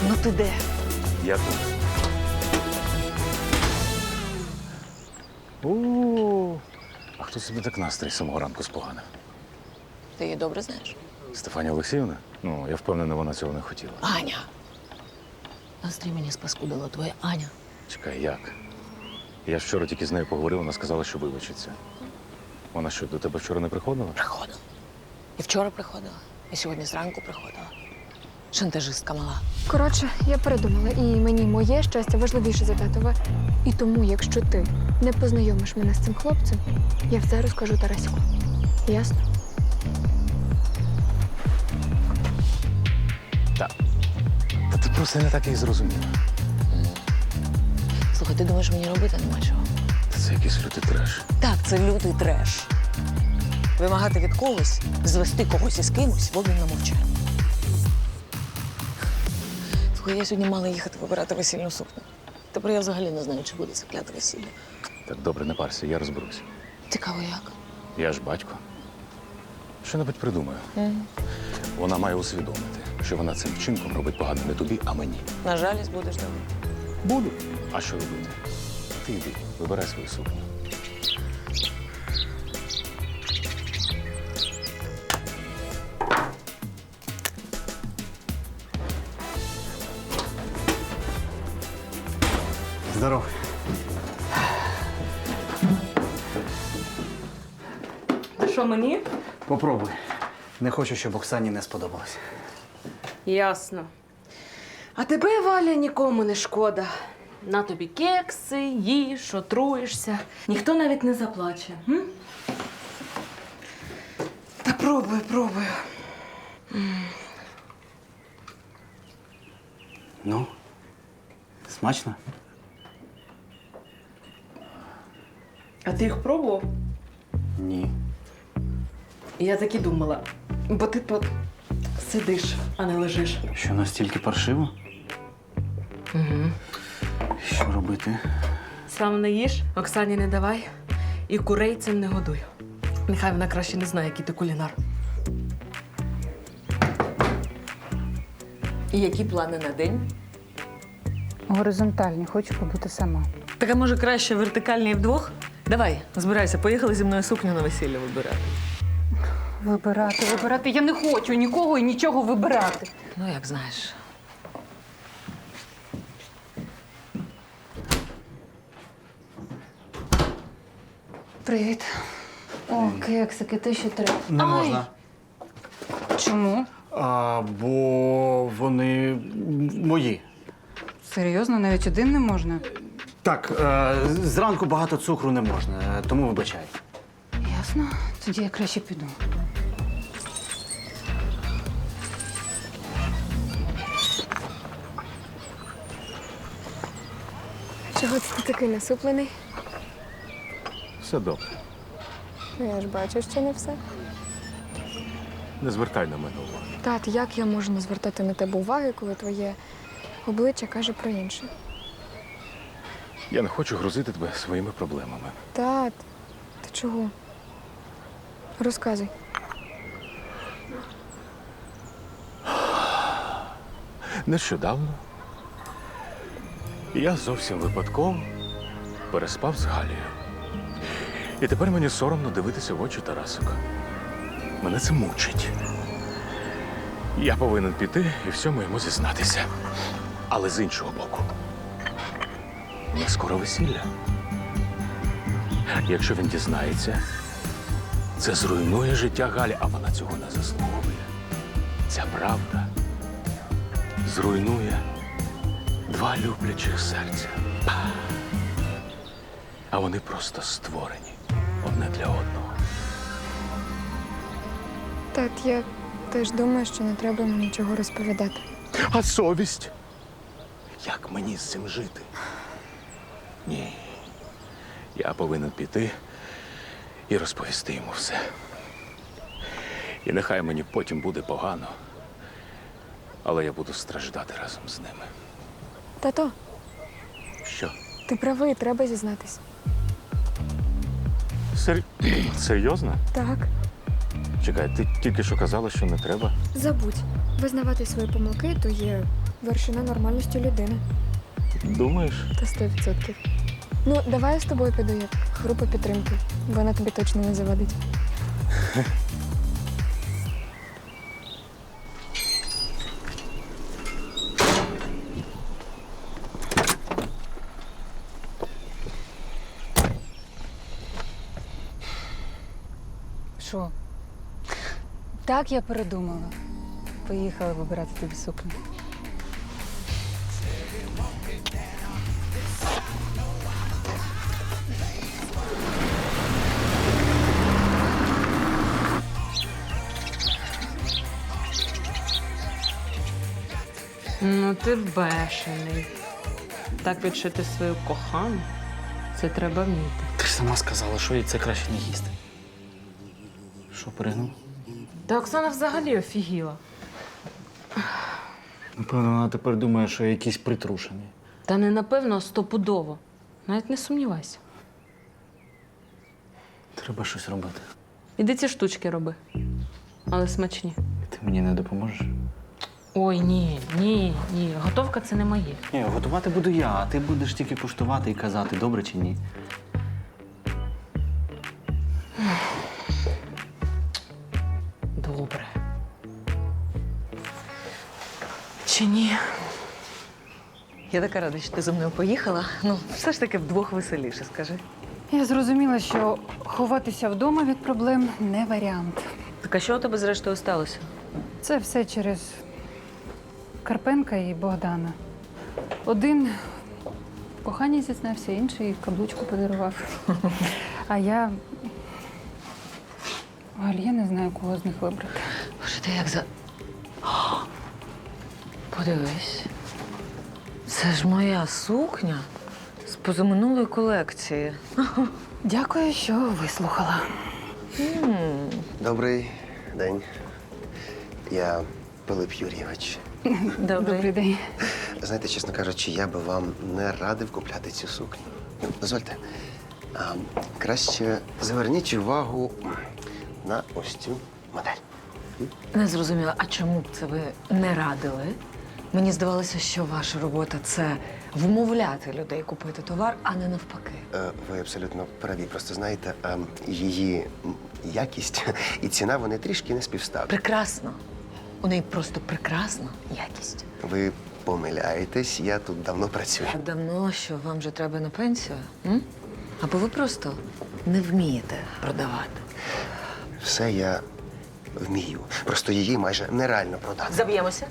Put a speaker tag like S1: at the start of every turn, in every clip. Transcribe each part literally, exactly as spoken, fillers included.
S1: Ну ти де?
S2: Я тут. О, а хто собі так настрій з самого ранку споганив?
S1: Ти її добре знаєш?
S2: Стефанія Олексіївна? Ну, я впевнений, вона цього не хотіла.
S1: Аня. Настрій мені спаскудила твоя Аня.
S2: Чекай, як? Я ж вчора тільки з нею поговорив, вона сказала, що вибачиться. Вона що, до тебе вчора не приходила?
S1: Приходила. І вчора приходила, і сьогодні зранку приходила. Шантажистка мала.
S3: Коротше, я передумала, і мені моє щастя важливіше за татове. І тому, якщо ти не познайомиш мене з цим хлопцем, я все розкажу Тарасику. Ясно?
S2: Так. Та ти просто не так і зрозуміла.
S1: Слухай, ти думаєш, мені робити нема чого?
S2: Та це якийсь лютий треш.
S1: Так, це лютий треш. Вимагати від когось, звести когось із кимось в обмін на мовчання. Слухай, я сьогодні мала їхати вибирати весільну сукню. Тепер я взагалі не знаю, чи буде це кляте весілля.
S2: Так, добре, не парся, я розберусь.
S1: Цікаво, як?
S2: Я ж батько. Що-небудь придумаю.
S1: Угу.
S2: Вона має усвідомити, що вона цим вчинком робить погано не тобі, а мені.
S1: На жалість будеш давати.
S2: Буду. А що робити? Ти йди, вибирай свою сукню.
S4: Здоров.
S5: Що мені?
S4: Попробуй. Не хочу, щоб Оксані не сподобалось.
S5: Ясно. А тебе, Валя, нікому не шкода. На тобі кекси, їж, отруєшся. Ніхто навіть не заплаче. М? Та пробую, пробую.
S4: Ну, смачно?
S5: А ти їх пробував?
S4: Ні.
S5: Я так і думала. Бо ти тут сидиш, а не лежиш.
S4: Що настільки паршиво?
S5: Угу.
S4: Що робити?
S5: Сам не їж, Оксані не давай. І курей цим не годуй. Нехай вона краще не знає, який ти кулінар. І які плани на день?
S6: Горизонтальні, хочу побути сама.
S5: Так, а може краще вертикальні вдвох? Давай, збирайся, поїхали зі мною сукню на весілля вибирати.
S6: Вибирати, вибирати. Я не хочу нікого і нічого вибирати.
S1: Ну, як знаєш.
S6: Привіт. О, кексики, те, що треба.
S4: Не
S6: Ай!
S4: можна.
S6: Чому?
S4: А, бо вони мої.
S6: Серйозно, навіть один не можна?
S4: Так, е, зранку багато цукру не можна, тому вибачай.
S6: Ясно. Тоді я краще піду.
S3: Чого це ти такий насуплений?
S2: Все добре.
S3: Ну, я ж бачу, що не все.
S2: Не звертай на мене уваги.
S3: Тат, як я можу не звертати на тебе уваги, коли твоє обличчя каже про інше?
S2: Я не хочу грузити тебе своїми проблемами.
S3: Тат, ти чого? Розказуй.
S2: Нещодавно я зовсім випадково переспав з Галією. І тепер мені соромно дивитися в очі Тарасика. Мене це мучить. Я повинен піти і всьому йому зізнатися. Але з іншого боку, у нас скоро весілля. Якщо він дізнається, це зруйнує життя Галі, а вона цього не заслуговує. Ця правда зруйнує два люблячих серця. А вони просто створені одне для одного.
S3: Тат, я теж думаю, що не треба мені нічого розповідати.
S2: А совість? Як мені з цим жити? Ні. Я повинен піти і розповісти йому все. І нехай мені потім буде погано, але я буду страждати разом з ними.
S3: Тато,
S2: Що?
S3: ти правий, треба зізнатись.
S2: Сер... Серйозно?
S3: Так,
S2: Чекай, ти тільки що казала, що не треба.
S3: забудь. Визнавати свої помилки – то є вершина нормальності людини.
S2: Думаєш?
S3: Та сто відсотків. Ну, давай я з тобою піду як група підтримки. Вона тобі точно не завадить.
S6: Що? Так я передумала. Поїхала вибирати тобі сукню.
S5: Ну, ти бешений. Так відшити свою кохану, це треба вміти.
S4: Ти ж сама сказала, що їй це краще не їсти. Що, перегнув?
S5: Та Оксана взагалі офігіла.
S4: Напевно, вона тепер думає, що я якийсь притрушений.
S5: Та не напевно, а стопудово. Навіть не сумнівайся.
S4: Треба щось робити.
S5: Іди ці штучки роби. Але смачні.
S4: Ти мені не допоможеш?
S5: Ой, ні, ні, ні. Готовка це не моє.
S4: Ні, готувати буду я, а ти будеш тільки куштувати і казати, добре чи ні.
S5: Добре. Чи ні?
S1: Я така рада, що ти зі мною поїхала. Ну, все ж таки вдвох веселіше, скажи.
S6: Я зрозуміла, що ховатися вдома від проблем не варіант.
S1: Так а що у тебе зрештою сталося?
S6: Це все через Карпенка і Богдана. Один в коханні зізнався, інший каблучку подарував. А я. Галь, я не знаю, кого з них вибрати.
S1: Боже, ти як за. О, подивись. Це ж моя сукня з позаминулої колекції.
S6: Дякую, що вислухала.
S7: Добрий день. Я Пилип Юрійович.
S6: Добрий день.
S7: Знаєте, чесно кажучи, я би вам не радив купляти цю сукню. Ну, дозвольте. А, краще зверніть увагу на ось цю модель.
S1: Не зрозуміла, а чому б це ви не радили? Мені здавалося, що ваша робота – це вмовляти людей купити товар, а не навпаки.
S7: Е, Ви абсолютно праві. Просто знаєте, е, її якість і ціна, вони трішки не співставні.
S1: Прекрасно. У неї просто прекрасна якість.
S7: Ви помиляєтесь, я тут давно працюю.
S1: Так давно, що вам вже треба на пенсію? М? Або ви просто не вмієте продавати.
S7: Все я вмію. Просто її майже нереально продати.
S1: Заб'ємося.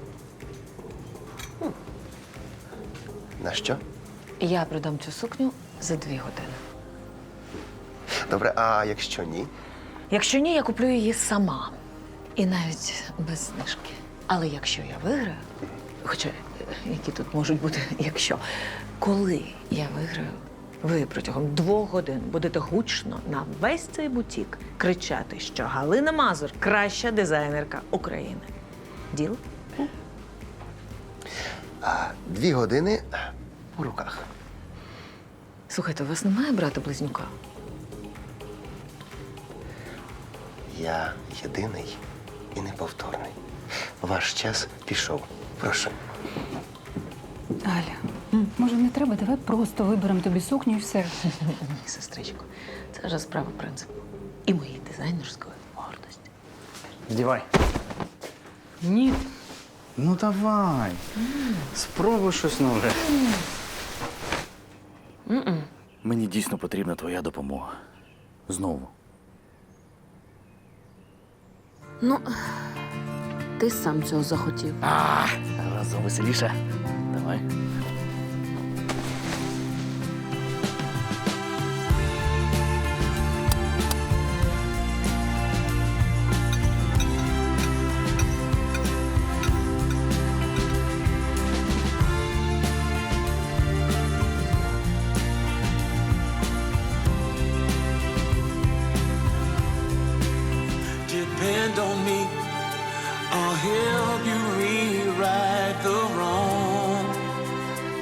S7: На що?
S1: Я продам цю сукню за дві години.
S7: Добре, а якщо ні?
S1: Якщо ні, я куплю її сама. І навіть без знижки. Але якщо я виграю, хоча е, які тут можуть бути, якщо, коли я виграю, ви протягом двох годин будете гучно на весь цей бутік кричати, що Галина Мазур – краща дизайнерка України. Діл?
S7: А дві години у руках.
S1: Слухайте, у вас немає брата-близнюка?
S7: Я єдиний і неповторний. Ваш час пішов. Прошу.
S6: Галя, може не треба? Давай просто виберемо тобі сукню і все.
S1: Ні, сестричко, це вже справа принципу. І моєї дизайнерської гордості.
S4: Здівай.
S5: Ні.
S4: Ну давай. Спробуй щось нове.
S5: М-м.
S8: Мені дійсно потрібна твоя допомога. Знову.
S5: Ну, ти сам цього захотів.
S8: А, разом веселіше. Давай.
S9: Depend on me, I'll help you rewrite the wrong.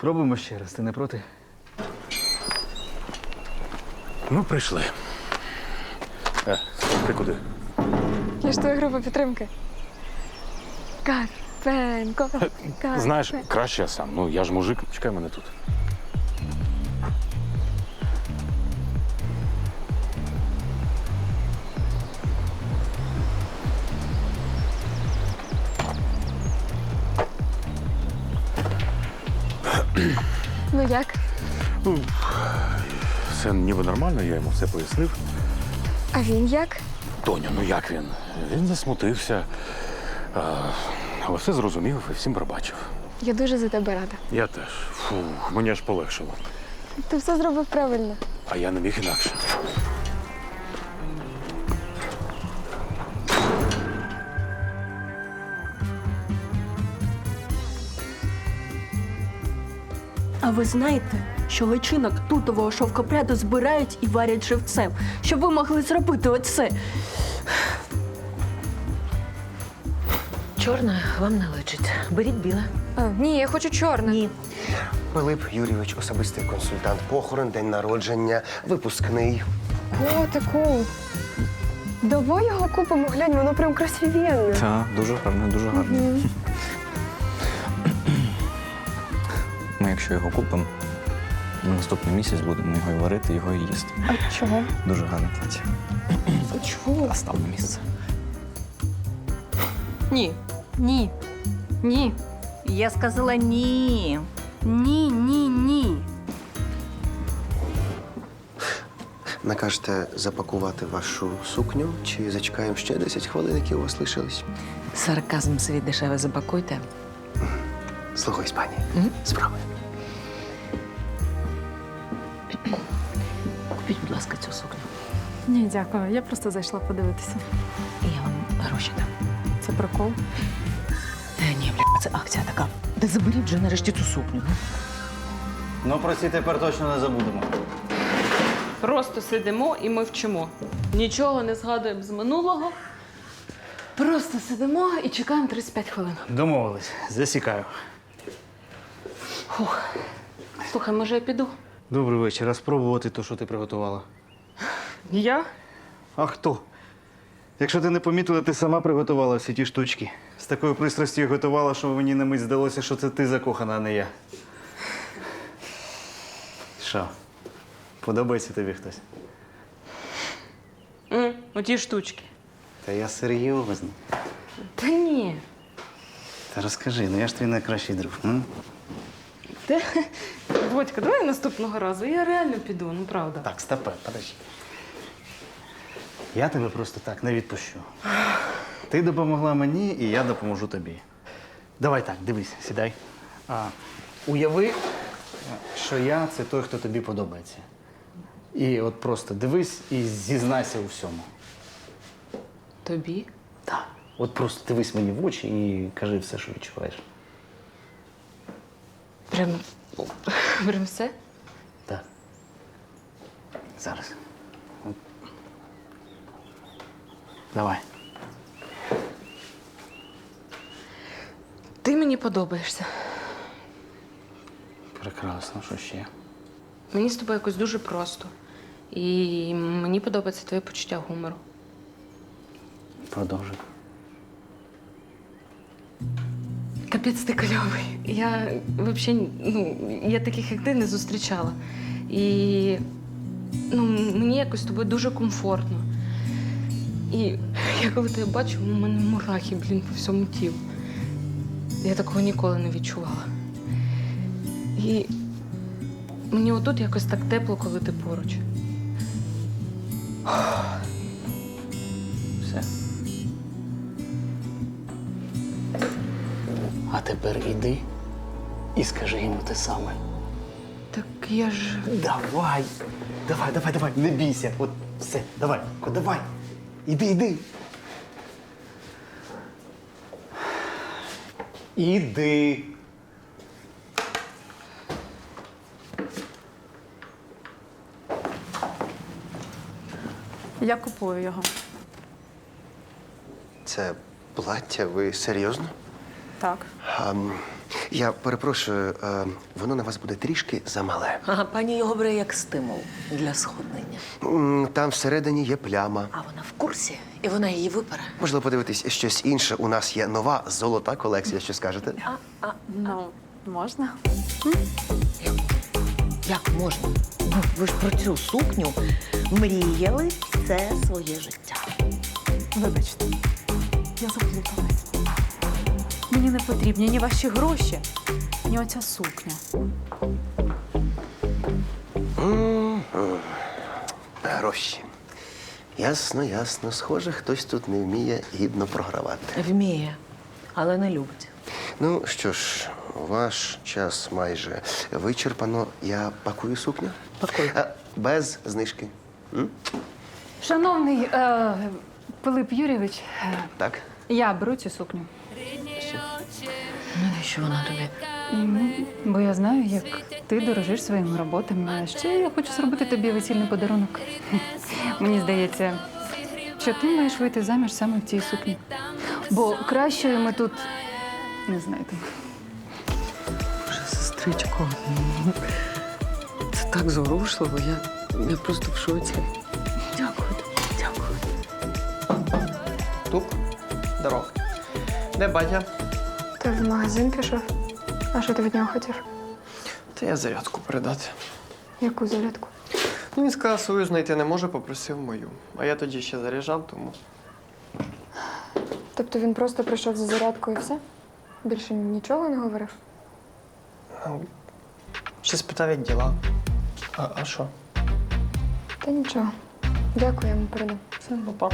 S4: Спробуємо ще раз, ти не проти?
S2: Ну, прийшли. Е, ти куди?
S3: Я ж твоя група підтримки. Карпенко. Карпенко.
S2: Знаєш, краще я сам. Ну, я ж мужик, чекай мене тут.
S3: Ну як?
S2: Все ніби нормально, я йому все пояснив.
S3: А він як?
S2: Тоня, ну як він? Він засмутився. А, але все зрозумів і всім пробачив.
S3: Я дуже за тебе рада.
S2: Я теж. Фу, мені аж полегшило.
S3: Ти все зробив правильно.
S2: А я не міг інакше.
S9: А ви знаєте, що личинок тутового шовкопряду збирають і варять живцем, щоб ви могли зробити оце?
S1: Чорне вам не личить. Беріть біле.
S3: А, ні, я хочу чорне.
S1: Ні.
S7: Пилип Юрійович, особистий консультант, похорон, день народження, випускний.
S3: Котику. Давай його купимо, глянь, воно прям красивенне.
S8: Так, дуже гарно, дуже гарно. Ми, якщо його купимо, на наступний місяць будемо його і варити, його і їсти.
S3: А чого?
S8: Дуже гарне плаття.
S3: А чого?
S8: А став на місце.
S6: Ні. Ні. Ні. Я сказала ні.
S9: Ні, ні, ні.
S7: Накажете запакувати вашу сукню чи зачекаємо ще десять хвилин, які у вас лишились?
S1: Сарказм свій дешеве запакуйте.
S7: Слухаюсь, пані.
S1: Мгм.
S7: Справи.
S1: Купіть, будь ласка, цю сукню.
S6: Ні, дякую. Я просто зайшла подивитися.
S1: І я вам гроші дам.
S6: Це прикол.
S1: Та ні, бля, це акція така. Та заберіть вже нарешті цю сукню. ну.
S4: Ну, про ці тепер точно не забудемо.
S5: Просто сидимо і ми вчимо. Нічого не згадуємо з минулого. Просто сидимо і чекаємо тридцять п'ять хвилин.
S4: Домовились. Засікаю.
S5: Слухай, може я піду?
S4: Добрий вечір. А спробувати то, що ти приготувала?
S5: Я?
S4: А хто? Якщо ти не помітила, ти сама приготувала всі ті штучки. З такою пристрастю їх готувала, що мені на мить здалося, що це ти закохана, а не я. Що? Подобається тобі хтось?
S5: М, оті штучки.
S4: Та я серйозно.
S5: Та ні.
S4: Та розкажи, ну я ж твій найкращий друг. М?
S5: Ти... Водька, давай наступного разу. Я реально піду, ну правда.
S4: Так, стопе, подожди. Я тебе просто так не відпущу. Ти допомогла мені, і я допоможу тобі. Давай так, дивись, сідай. А, уяви, що я це той, хто тобі подобається. І от просто дивись і зізнайся у всьому.
S5: Тобі?
S4: Так. От просто дивись мені в очі і кажи все, що відчуваєш.
S5: Прям... Прям все?
S4: Так. Зараз. От. Давай.
S5: Ти мені подобаєшся.
S4: Прекрасно, що ще?
S5: Мені з тобою якось дуже просто. І мені подобається твоє почуття гумору.
S4: Продовжуй.
S5: Капець ти кльовий. Я взагалі, ну, я таких, як ти, не зустрічала. І ну, мені якось з тобою дуже комфортно. І я коли тебе бачу, у мене мурахи, блін, по всьому тілу. Я такого ніколи не відчувала. І мені отут якось так тепло, коли ти поруч.
S4: Все. А тепер іди і скажи йому те саме.
S5: Так я ж.
S4: Давай! Давай, давай, давай, не бійся. От все, давай, Ко, давай. Іди, іди. Іди.
S6: Я купую його.
S7: Це плаття, ви серйозно?
S6: Так.
S7: А, м, Я перепрошую, е, воно на вас буде трішки замале.
S1: Ага, пані його бере як стимул для сходнення.
S7: М, Там всередині є пляма.
S1: А вона в курсі, і вона її випере.
S7: Можливо, подивитись щось інше. У нас є нова золота колекція. Що скажете?
S6: Ну, можна?
S1: Як можна? Ну, ви ж про цю сукню мріяли все своє життя.
S6: Вибачте, я заплуталась. Мені не потрібні ні ваші гроші, ні оця сукня.
S7: Гроші. Ясно, ясно. Схоже, хтось тут не вміє гідно програвати.
S1: Вміє, але не любить.
S7: Ну що ж, ваш час майже вичерпано. Я пакую сукню.
S1: Пакуй.
S7: Е, Без знижки. М?
S6: Шановний е, Пилип Юрійович, е,
S7: Так?
S6: я беру цю сукню.
S1: Навіщо вона тобі?
S6: Ну, бо я знаю, як ти дорожиш своїми роботами. А ще я хочу зробити тобі весільний подарунок. Мені здається, що ти маєш вийти заміж саме в цій сукні. Бо кращої ми тут не знайдемо.
S1: Боже, сестричко, це так зворушливо. Я, я просто в шоці. Дякую тобі, дякую.
S10: Туп, здоров. Де батя?
S3: Ти в магазин пішов? А що ти від нього хотів?
S10: Та я зарядку передати.
S3: Яку зарядку?
S10: Ну, він сказав, свою знайти не може, попросив мою. А я тоді ще заряджав, тому.
S3: Тобто він просто прийшов за зарядкою і все? Більше нічого не говорив?
S10: Ну, ще спитав, як діла. А, а що?
S3: Та нічого. Дякую, я йому передам.
S10: Все, папа.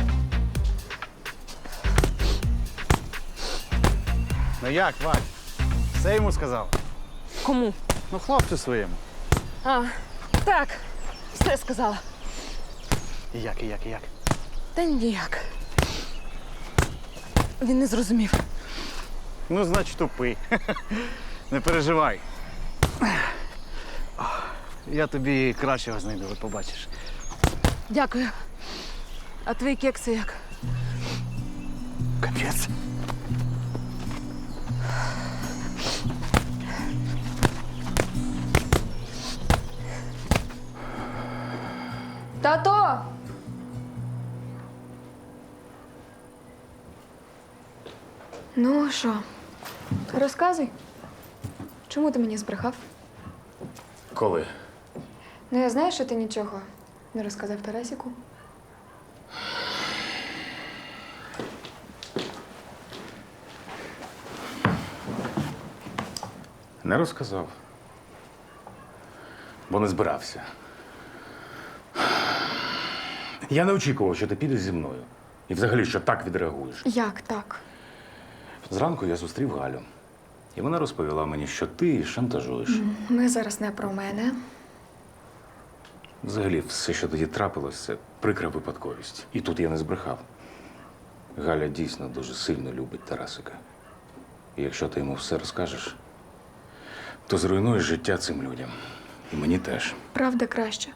S4: Ну як, Вадь? Все йому сказав?
S1: Кому?
S4: Ну, хлопцю своєму.
S1: А, так, все сказала.
S4: І як, і як, і як?
S1: Та ніяк. Він не зрозумів.
S4: Ну, значить, тупий. Не переживай. Я тобі кращого знайду, от побачиш.
S1: Дякую. А твої кекси як?
S4: Капець.
S3: Тато! Ну, що? Розказуй. Чому ти мені збрехав?
S2: Коли?
S3: Ну, я знаю, що ти нічого не розказав Тарасіку.
S2: Не розказав. Бо не збирався. Я не очікував, що ти підеш зі мною. І взагалі, що так відреагуєш.
S3: Як так?
S2: Зранку я зустрів Галю. І вона розповіла мені, що ти її шантажуєш.
S3: Ми зараз не про мене.
S2: Взагалі, все, що тоді трапилось, це прикра випадковість. І тут я не збрехав. Галя дійсно дуже сильно любить Тарасика. І якщо ти йому все розкажеш, то зруйнуєш життя цим людям. І мені теж.
S3: Правда краще.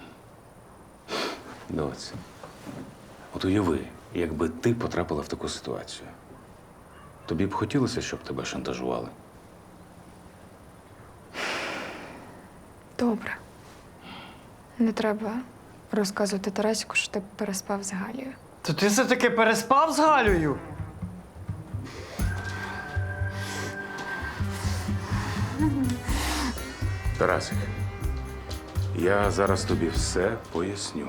S2: Доць, от уяви, якби ти потрапила в таку ситуацію. Тобі б хотілося, щоб тебе шантажували?
S3: Добре. Не треба розказувати Тарасіку, що ти переспав з Галією.
S10: То ти все-таки переспав з Галею?
S2: Тарасик, я зараз тобі все поясню.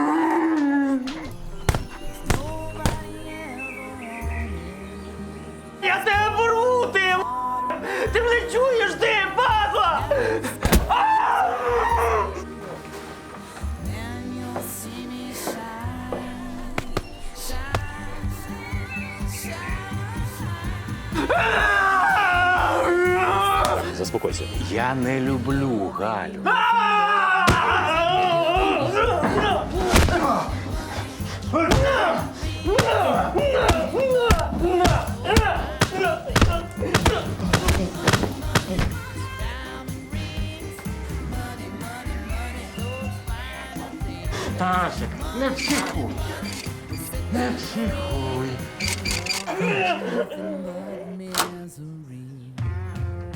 S10: Я тебе порву, ти! м***! Ти мене чуєш, ти, падла!
S2: Заспокойся. Я не люблю Галю.
S4: Тарасик, не психуй. Не психуй.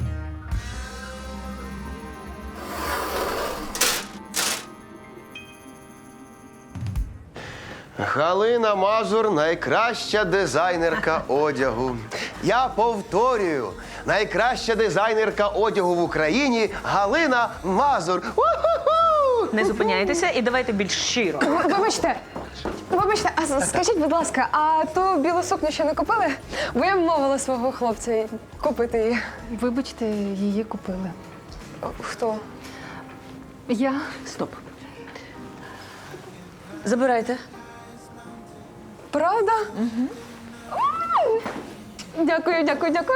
S7: Галина Мазур найкраща дизайнерка одягу. Я повторюю, найкраща дизайнерка одягу в Україні Галина Мазур. У-ху-ху!
S1: Не зупиняйтеся і давайте більш щиро.
S3: Вибачте, вибачте, а с- скажіть, будь ласка, а ту білу сукню ще не купили? Бо я вмовила свого хлопця купити її.
S6: Вибачте, її купили.
S3: Хто?
S6: Я
S1: Стоп. Забирайте.
S3: Правда? Угу. Дякую, дякую, дякую.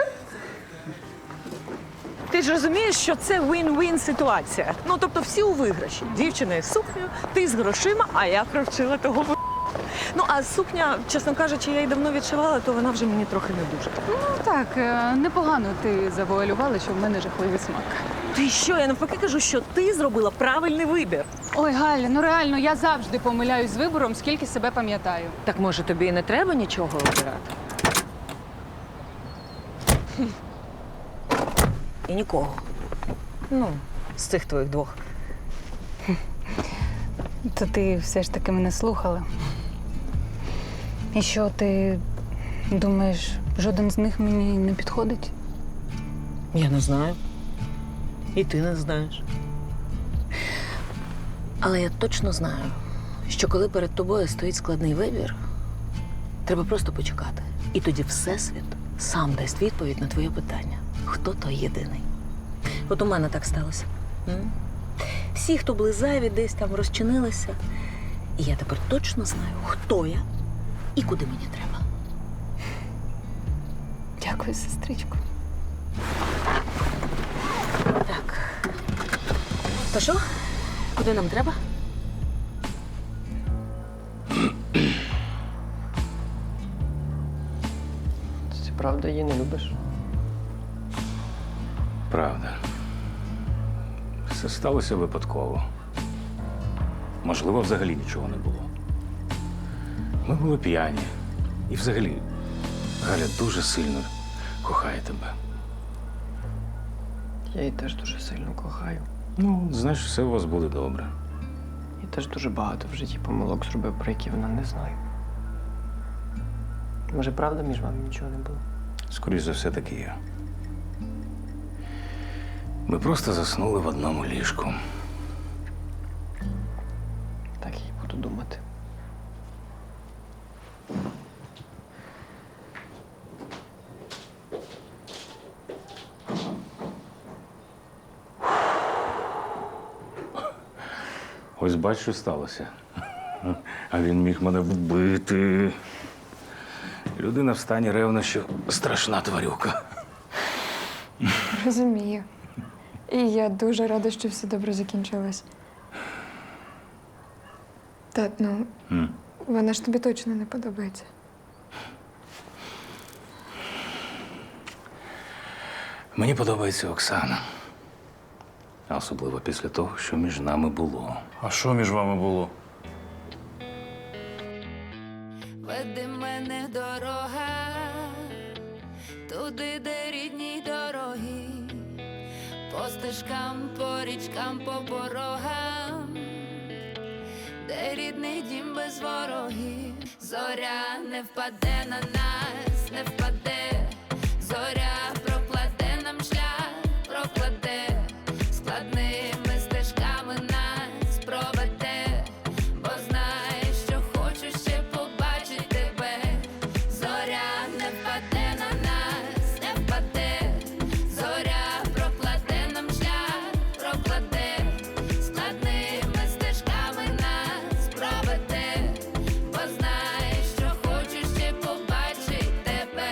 S11: Ти ж розумієш, що це win-win ситуація. Ну, тобто всі у виграші. Дівчина із сукнею, ти з грошима, а я провчила того в***. Ну, а сукня, чесно кажучи, я її давно відшивала, то вона вже мені трохи не дуже.
S6: ну так, е, непогано ти завуалювала, що в мене жахливий смак.
S11: Ти що, я навпаки кажу, що ти зробила правильний вибір.
S6: Ой, Галя, ну реально, я завжди помиляюсь з вибором, скільки себе пам'ятаю.
S1: Так може тобі і не треба нічого обирати? І нікого. Ну, з цих твоїх двох.
S6: То ти все ж таки мене слухала. І що, ти думаєш, жоден з них мені не підходить?
S1: Я не знаю. І ти не знаєш. Але я точно знаю, що коли перед тобою стоїть складний вибір, треба просто почекати. І тоді Всесвіт сам дасть відповідь на твоє питання. Хто той єдиний? От у мене так сталося. М? Всі, хто були зайві, десь там розчинилися. І я тепер точно знаю, хто я і куди мені треба.
S6: Дякую, сестричко.
S1: Так. То що? Куди нам треба?
S10: Ти правда її не любиш?
S2: Правда. Все сталося випадково. Можливо, взагалі нічого не було. Ми були п'яні. І взагалі, Галя дуже сильно кохає тебе.
S10: Я її теж дуже сильно кохаю.
S2: Ну, знаєш, все у вас буде добре.
S10: Я теж дуже багато в житті помилок зробив, про які вона не знає. Може, правда, між вами нічого не було?
S2: Скоріше за все, таки є. Ми просто заснули в одному ліжку.
S10: Так я й буду думати.
S2: Ось бач, що сталося. А він міг мене вбити. Людина в стані ревнощів – страшна тварюка.
S3: Розумію. І я дуже рада, що все добре закінчилось. Тат, ну,
S2: М.
S3: вона ж тобі точно не подобається.
S2: Мені подобається Оксана. А особливо після того, що між нами було.
S4: А що між вами було?
S12: Веди мене дорога, туди, де рідні дороги, по стежкам, по річкам, по порогам, де рідний дім без ворогів. Зоря не впаде на нас, не впаде, зоря прокладе нам шлях, прокладе, складними стежками нас проведе, бо знає, що хочу ще побачити тебе. Зоря не впаде на нас, не впаде, зоря прокладе нам шлях, прокладе, складними стежками нас проведе, бо знає, що хочу ще побачити тебе.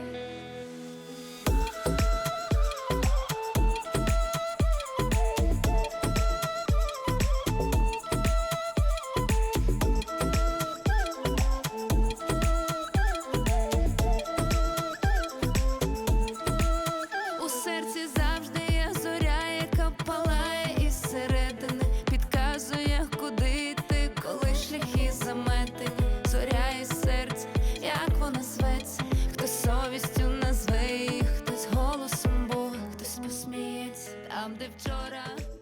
S12: У серці завжди є зоря, яка палає із середини, підказує, куди йти, коли шляхи заметені. Зоря із серця, як вона зветься, хтось совістю назве її, хтось голосом Бога, хтось посміється там, де вчора.